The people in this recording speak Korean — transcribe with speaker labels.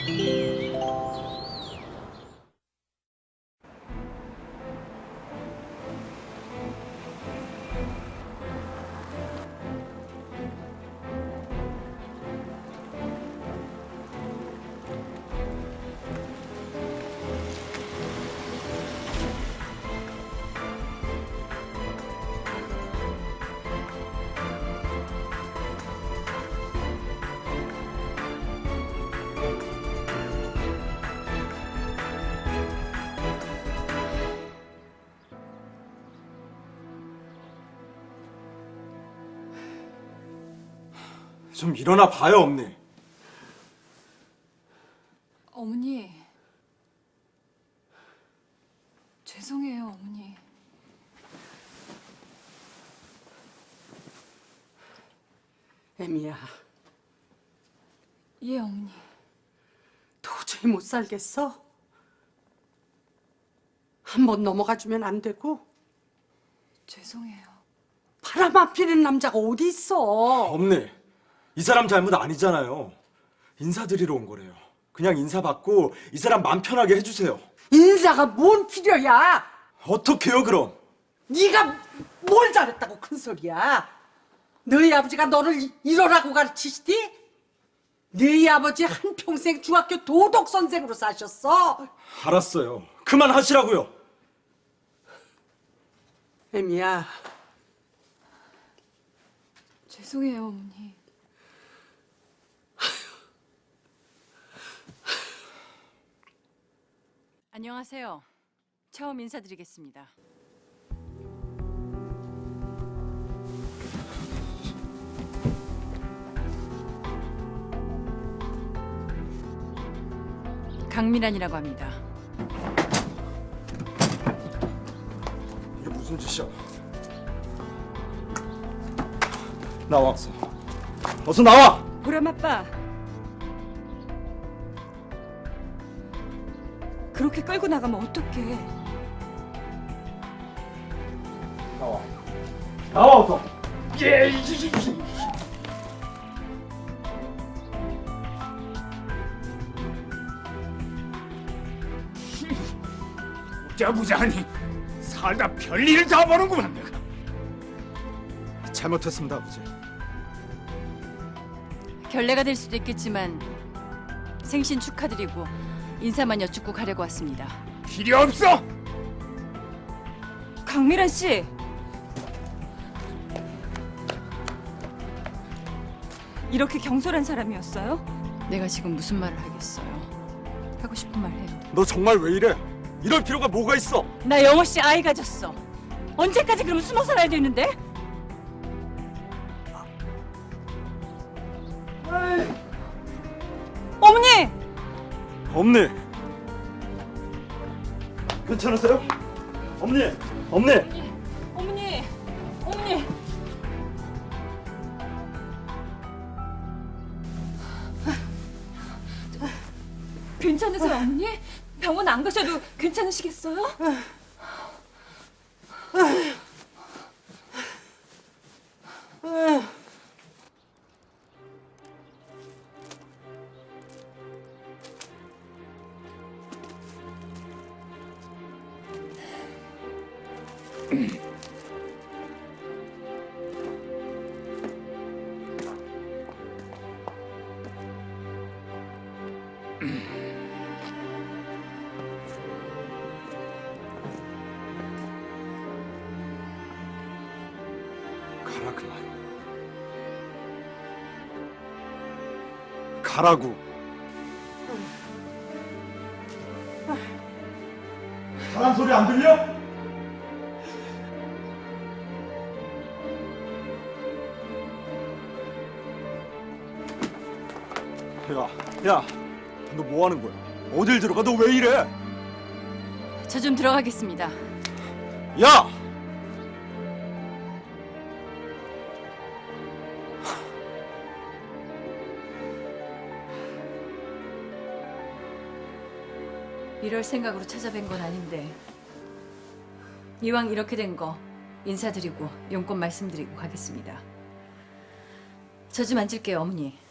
Speaker 1: 좀 일어나 봐요, 어머니.
Speaker 2: 어머니, 죄송해요, 어머니.
Speaker 3: 애미야,
Speaker 2: 예, 어머니.
Speaker 3: 도저히 못 살겠어? 한번 넘어가 주면 안 되고?
Speaker 2: 죄송해요.
Speaker 3: 바람 안 피는 남자가 어디 있어?
Speaker 1: 어머니, 이 사람 잘못 아니잖아요. 인사드리러 온 거래요. 그냥 인사받고 이 사람 맘 편하게 해주세요.
Speaker 3: 인사가 뭔 필요야?
Speaker 1: 어떡해요, 그럼?
Speaker 3: 네가 뭘 잘했다고 큰 소리야? 너희 아버지가 너를 이러라고 가르치시디? 너희 아버지 한평생 중학교 도덕 선생으로 사셨어.
Speaker 1: 알았어요. 그만하시라고요.
Speaker 3: 애미야,
Speaker 2: 죄송해요, 어머니.
Speaker 4: 안녕하세요. 처음 인사드리겠습니다. 강미란이라고 합니다.
Speaker 1: 이게 무슨 짓이야? 나와, 어서. 어서 나와!
Speaker 4: 보람 아빠. 그렇게 끌고 나가면 어떡해?
Speaker 1: 나와. 나와, 어서.
Speaker 5: 부자부자하니 살다 별일을 다 보는구만 내가.
Speaker 1: 잘못했습니다, 아버지.
Speaker 4: 결례가 될 수도 있겠지만 생신 축하드리고 인사만 여쭙고 가려고 왔습니다.
Speaker 5: 필요 없어.
Speaker 4: 강미란 씨. 이렇게 경솔한 사람이었어요? 내가 지금 무슨 말을 하겠어요? 하고 싶은 말 해요.
Speaker 1: 너 정말 왜 이래? 이럴 필요가 뭐가 있어?
Speaker 4: 나 영호 씨 아이 가졌어. 언제까지 그럼 숨어 살아야 되는데? 어머니!
Speaker 1: 어머니! 괜찮으세요? 어머니! 어머니!
Speaker 4: 어머니! 어머니!
Speaker 2: 괜찮으세요, 어머니? 병원 안 가셔도 괜찮으시겠어요?
Speaker 1: 가라, 그만. 가라고. 사람 소리 안 들려? 야, 너 뭐 하는 거야? 어딜 들어가? 너 왜 이래?
Speaker 4: 저 좀 들어가겠습니다.
Speaker 1: 야!
Speaker 4: 이럴 생각으로 찾아뵌 건 아닌데 이왕 이렇게 된 거 인사드리고 용건 말씀드리고 가겠습니다. 저 좀 앉을게요, 어머니.